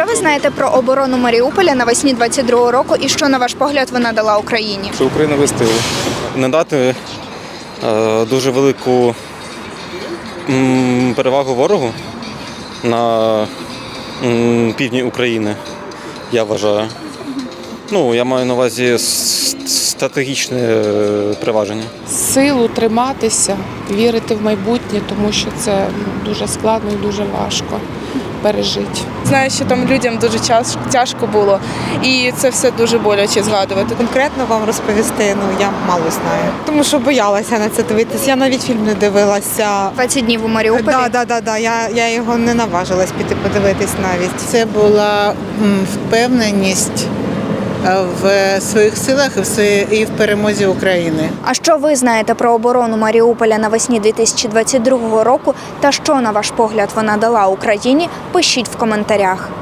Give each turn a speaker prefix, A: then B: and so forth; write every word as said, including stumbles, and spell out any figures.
A: Що ви знаєте про оборону Маріуполя навесні двадцять другого року і що, на ваш погляд, вона дала Україні?
B: Що Україна вистояла. Не дати е, дуже велику м, перевагу ворогу на м, півдні України, я вважаю. Ну, я маю на увазі с- стратегічне е, переваження.
C: Силу триматися, вірити в майбутнє, тому що це ну, дуже складно і дуже важко пережити.
D: Знаю, що там людям дуже час- тяжко було, і це все дуже боляче згадувати.
E: Конкретно вам розповісти, ну я мало знаю. Тому що боялася на це дивитися. Я навіть фільм не дивилася.
A: двадцять днів у Маріуполі?
E: Так, да, да, да. Я, я його не наважилась піти подивитись навіть.
F: Це була м, впевненість е, в своїх силах і в своїй- і в перемозі України.
A: А що ви знаєте про оборону Маріуполя навесні дві тисячі двадцять другого року та що, на ваш погляд, вона дала Україні? Пишіть в коментарях.